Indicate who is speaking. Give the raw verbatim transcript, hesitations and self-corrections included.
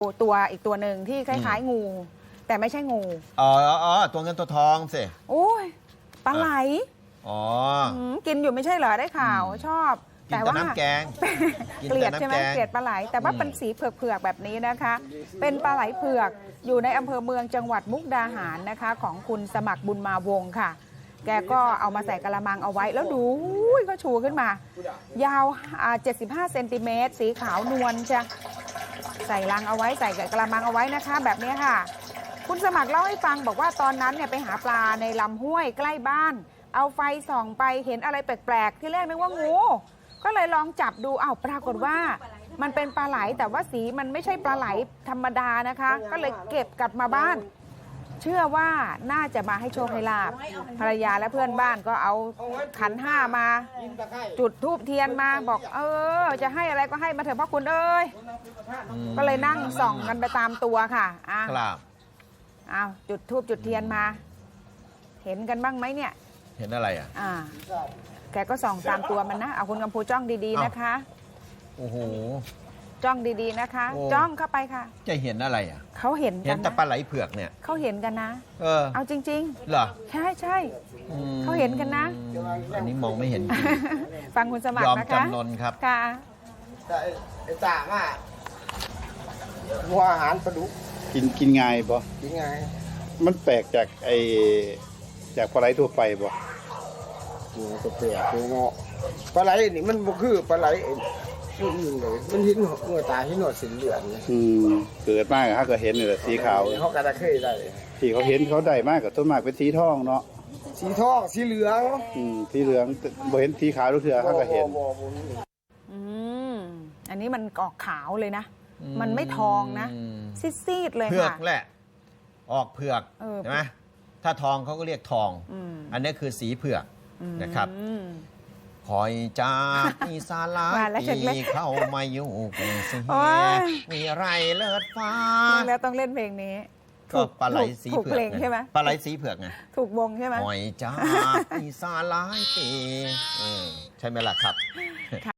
Speaker 1: ตัวอีกตัวหนึ่งที่คล้ายๆงู แต่ไม่ใช่งู
Speaker 2: อ๋ออ๋อตัวเงินตัวทองสิ
Speaker 1: โอ้ยปลาไหล
Speaker 2: อ๋อ
Speaker 1: กินอยู่ไม่ใช่เหรอได้ข่าวชอบ
Speaker 2: กินแต่น้ำแกง
Speaker 1: เกลียดใช่ไหมเกลียดปลาไหลแต่ว่าเป็นสีเผือกๆแบบนี้นะคะ เป็นปลาไหลเผือกอยู่ในอำเภอเมืองจังหวัดมุกดาหารนะคะ ของคุณสมัครบุญมาวงค่ะ แกก็เอามาใส่กระมังเอาไว้แล้วดูก็ชูขึ้นมา ยาวเจ็ดสิบห้าเซนติเมตรสีขาวนวลใช่ใส่ลังเอาไว้ใส่กระมังเอาไว้นะคะ แบบนี้ค่ะ คุณสมัครเล่าให้ฟังบอกว่าตอนนั้นเนี่ยไปหาปลาในลำห้วยใกล้บ้าน เอาไฟส่องไปเห็นอะไรแปลกๆที่แรกนึกว่างูก็เลยลองจับดูอ้าวปรากฏว่ามันเป็นปลาไหลแต่ว่าสีมันไม่ใช่ปลาไหลธรรมดานะคะ ก็เลยเก็บกลับมาบ้านเชื่อว่าน่าจะมาให้โชคให้ลาภภรรยาและเพื่อนบ้านก็เอาขันห้ามาจุดธูปเทียนมาบอกเออจะให้อะไรก็ให้มาเถอะพ่อคุณเอ้ยก็เลยนั่งส่องกันไปตามตัวค่ะอ่ะ
Speaker 2: ครับ
Speaker 1: อ้าวจุดธูปจุดเทียนมา เห็นกันบ้างไหมเนี่ย
Speaker 2: เห็นอะไรอ่ะ
Speaker 1: อ่าแกก็ส่องตามตัวมันนะเอาคุณกำพูจ้องดีๆนะคะ
Speaker 2: โอ้โห
Speaker 1: จ้องดีๆนะคะจ้องเข้าไปค่ะ
Speaker 2: จะเห็นอะไรอ่ะ
Speaker 1: เขาเห็นกัน
Speaker 2: เห็นแต่ปลาไหลเผือกเนี่ย
Speaker 1: เขาเห็นกันนะ
Speaker 2: เออ
Speaker 1: เอาจริง
Speaker 2: ๆเหรอ
Speaker 1: ใช่ใช่เขาเห็นกันนะ
Speaker 2: อันนี้มองไม่เห็น
Speaker 1: ฟังคุณสมัครนะคะ
Speaker 2: ยอมจำนนครับ
Speaker 1: ค่ะ
Speaker 3: แต่ไอ้จ่าว่าหัวอาหารปลาดุก
Speaker 4: กินกินง่ายบ่
Speaker 3: กินง่าย
Speaker 4: มันแปลกจากไอจากปลาไหลทั่วไปบ่
Speaker 3: กินก็แปลกเลยเนาะปลาไหลนี่มันบ่คือปลาไหลอื่นเลยมันหินเมื่อตาหินหนวดสีเหลือง
Speaker 4: อืมเกิดมากเขาก็เห็นนี่แหละสีขาว
Speaker 3: เขาก็ได้เคยได้
Speaker 4: ที่เขาเห็นเขาได้มากกับต้นมากเป็นสีทองเนาะ
Speaker 3: สีทองสีเหลือง
Speaker 4: อืมสีเหลืองบ่เห็นสีขาวทุกเทื่อเขาก็เห็น
Speaker 1: อืมอันนี้มันออกขาวเลยนะมันไม่ทองนะซีดๆเลยค่ะ
Speaker 2: เผือกแหละออกเผือกใช่ไหมถ้าทองเขาก็เรียกทองอันนี้คือสีเผือกนะครับคอยจากมีสาลาตีเข้ามาอยู่กรุงศรีมีไรเลิศฟ้า
Speaker 1: แล้วต้องเล่นเพลงนี้
Speaker 2: ก็ปลาไหลสีเผือก
Speaker 1: ใช่ไหม
Speaker 2: ปลาไหลสีเผือกไง
Speaker 1: ถูกวงใช่ไหม
Speaker 2: คอยจากมีสาลาตีใช่ไหมล่ะครับ